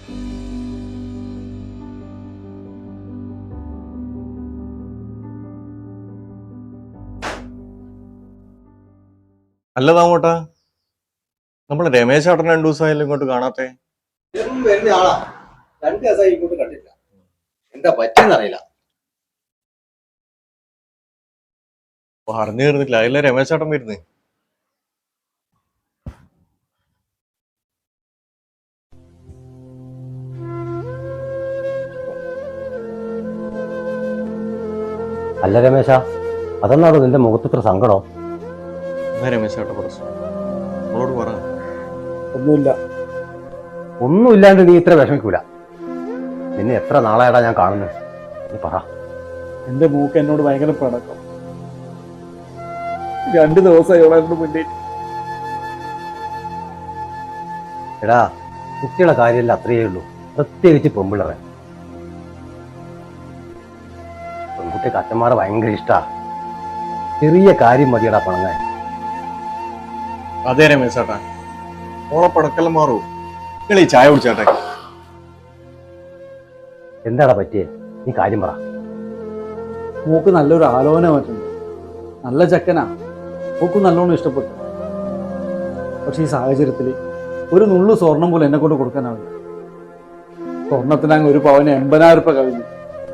അല്ലതാമോട്ടാ, നമ്മള് രമേശ് ചേട്ടൻ 2 ദിവസമായാലും ഇങ്ങോട്ട് കാണാത്തെ. വരുന്ന ആളാ, 2 ദിവസമായി ഇങ്ങോട്ട് കണ്ടില്ല. എന്താ പറ്റിയെന്നറിയില്ല. പറഞ്ഞു തീർന്നിട്ടില്ല, അതിലെ രമേശ് ചേട്ടൻ വരുന്നേ. അല്ല രമേശ, അതെന്നാണോ നിന്റെ മുഖത്തിത്ര സങ്കടം? എന്നാ രമേശ് ചേട്ടൻ പ്രശ്നം നമ്മളോട് പറ. ഒന്നുമില്ലാണ്ട് നീ ഇത്ര വിഷമിക്കൂല. നിന്നെ എത്ര നാളായടാ ഞാൻ കാണുന്നത്, നീ പറ. എന്റെ മൂക്ക് എന്നോട് ഭയങ്കര പിണക്കം. 2 ദിവസമായി അവളെ മുന്നിൽ. എടാ, കുട്ടികളെ കാര്യമല്ല അത്രയേ ഉള്ളൂ, പ്രത്യേകിച്ച് പെമ്പിള്ളറെ. പെൺകുട്ടിക്ക് അച്ഛന്മാരെ ഭയങ്കര ഇഷ്ടാ. ചെറിയ കാര്യം മതിയടാ പണങ്ങാൻ. അതേ രമേശ് ചേട്ടാ, ഓളെ പടക്കെല്ലാം മാറൂ. നിങ്ങൾ ഈ ചായ കുടിച്ചാട്ടെ. എന്താടാ പറ്റിയേ, നീ കാര്യം പറ. മൂക്ക് നല്ലൊരു ആലോചന പറ്റുന്നു. നല്ല ചക്കനാ, മൂക്ക് നല്ലോണം ഇഷ്ടപ്പെട്ടു. പക്ഷെ ഈ സാഹചര്യത്തിൽ ഒരു നുള്ളു സ്വർണം പോലും എന്നെ കൊണ്ട് കൊടുക്കാനാവില്ല. സ്വർണത്തിനങ്ങ് ഒരു പവന് 80,000 രൂപ കഴിഞ്ഞു.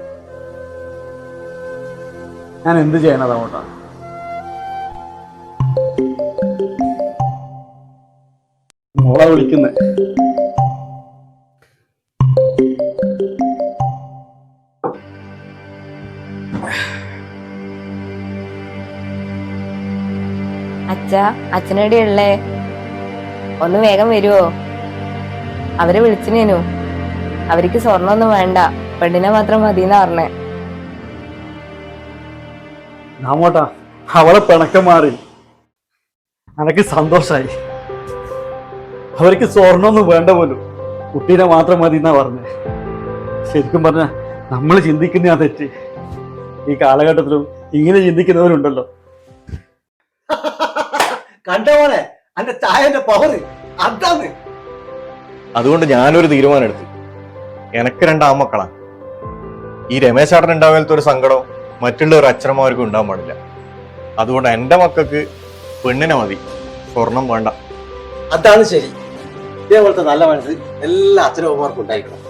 ഞാൻ എന്ത് ചെയ്യണതാവട്ടാ? മോളെ വിളിക്കുന്നേ. അച്ഛനെവിടെയുള്ളേ? ഒന്ന് വേഗം വരുവോ? അവരെ വിളിച്ചിനേനു. അവർക്ക് സ്വർണ്ണമൊന്നും വേണ്ട, പെണ്ണിനെ മാത്രം മതിയെന്നാ പറഞ്ഞേ. നാമോട്ടാ, അവളെ പിണക്കം മാറി. അനക്ക് സന്തോഷായി. അവർക്ക് സ്വർണ്ണമൊന്നും വേണ്ട പോലും, കുട്ടീനെ മാത്രം മതി എന്നാ പറഞ്ഞേ. ശരിക്കും പറഞ്ഞ നമ്മൾ ചിന്തിക്കുന്ന ആ തെറ്റ് ഈ കാലഘട്ടത്തിലും ഇങ്ങനെ ചിന്തിക്കുന്നവരുണ്ടല്ലോ. കണ്ടോനെ അന്റെ ചായന്റെ പവർ അതാണ്. അതുകൊണ്ട് ഞാനൊരു തീരുമാനം എടുത്തു. എനക്ക് 2 ആൺമക്കളാ. ഈ രമേശ് ചേട്ടൻ ഉണ്ടാവാത്ത ഒരു സങ്കടം മറ്റുള്ള ഒരു അച്ഛനമാർക്കും ഉണ്ടാവാൻ പാടില്ല. അതുകൊണ്ട് എന്റെ മക്കൾക്ക് പെണ്ണിനെ മതി, സ്വർണം വേണ്ട. അതാണ് ശരി. ഇതേപോലത്തെ നല്ല മനസ്സ് എല്ലാ അച്ഛനമ്മമാർക്കും ഉണ്ടായിരിക്കണം.